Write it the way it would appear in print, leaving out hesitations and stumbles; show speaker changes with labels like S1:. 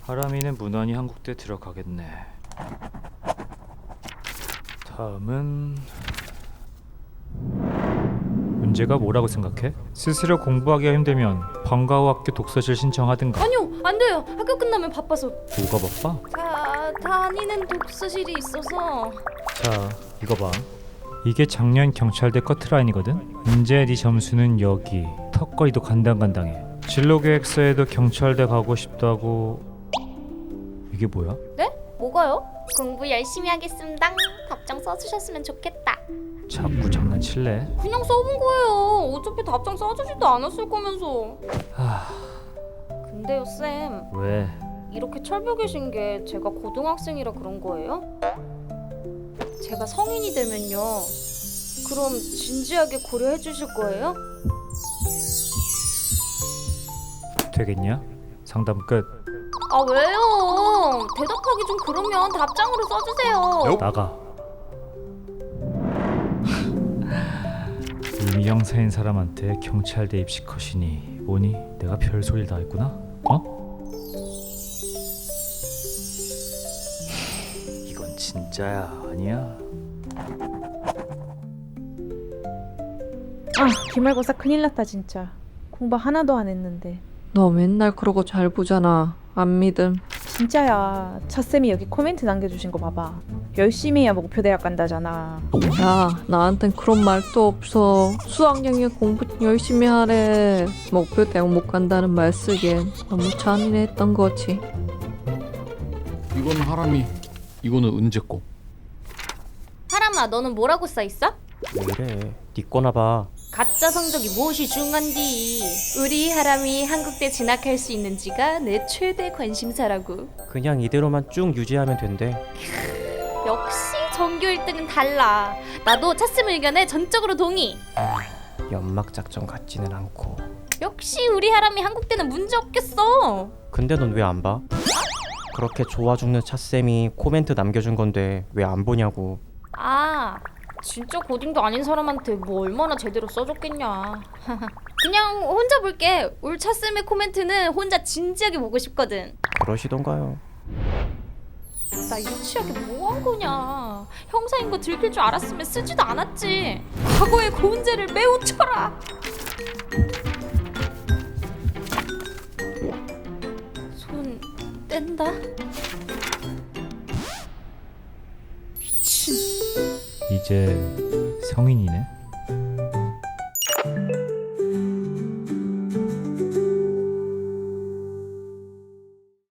S1: 하람이는 무난히 한국대 들어가겠네. 다음은 문제가 뭐라고 생각해? 스스로 공부하기가 힘들면 방과후 학교 독서실 신청하든가.
S2: 아니요, 안 돼요. 학교 끝나면 바빠서.
S1: 뭐가 바빠?
S2: 다니는 독서실이 있어서.
S1: 자, 이거 봐. 이게 작년 경찰대 커트라인이거든? 이제 네 점수는 여기. 턱걸이도 간당간당해. 진로계획서에도 경찰대 가고 싶다고. 이게 뭐야?
S2: 네? 뭐가요? 공부 열심히 하겠습니다. 답장 써주셨으면 좋겠다.
S1: 자꾸 장난칠래?
S2: 그냥 써본 거예요. 어차피 답장 써주지도 않았을 거면서. 근데요, 쌤.
S1: 왜?
S2: 이렇게 철벽 계신 게 제가 고등학생이라 그런 거예요? 제가 성인이 되면요. 그럼 진지하게 고려해 주실 거예요?
S1: 되겠냐? 상담 끝.
S2: 아, 왜요? 대답하기 좀 그러면 답장으로 써주세요.
S1: 나가. 이미 형사인 사람한테 경찰대 입시 컷이니 뭐니? 내가 별소리를 다 했구나? 어? 이건 진짜야 아니야?
S3: 아, 기말고사 큰일 났다 진짜. 공부 하나도 안 했는데.
S4: 너 맨날 그러고 잘 보잖아. 안 믿음.
S3: 진짜야. 차쌤이 여기 코멘트 남겨주신 거 봐봐. 열심히 해야 목표 대학 간다잖아.
S4: 야, 나한텐 그런 말도 없어. 수학여행 공부 열심히 하래. 목표 대학 못 간다는 말 쓰기엔 너무 잔인했던 거지.
S5: 이건 하람이, 이거는 은재 거.
S2: 하람아, 너는 뭐라고 써있어?
S6: 왜 이래? 네 거나 봐.
S2: 가짜 성적이 무엇이 중요한디? 우리 하람이 한국대 진학할 수 있는지가 내 최대 관심사라고.
S6: 그냥 이대로만 쭉 유지하면 된대.
S2: 역시 전교 1등은 달라. 나도 차쌤 의견에 전적으로 동의.
S6: 연막 작전 같지는 않고.
S2: 역시 우리 하람이 한국대는 문제 없겠어.
S6: 근데 넌 왜 안 봐? 그렇게 좋아 죽는 차쌤이 코멘트 남겨준 건데 왜 안 보냐고.
S2: 아, 진짜 고딩도 아닌 사람한테 뭐 얼마나 제대로 써줬겠냐. 그냥 혼자 볼게. 올 차쌤의 코멘트는 혼자 진지하게 보고 싶거든.
S6: 그러시던가요.
S2: 나 유치하게 뭐 한 거냐. 형사인 거 들킬 줄 알았으면 쓰지도 않았지. 과거의 고운 죄를 매우 쳐라. 손 뗀다.
S1: 이제 성인이네.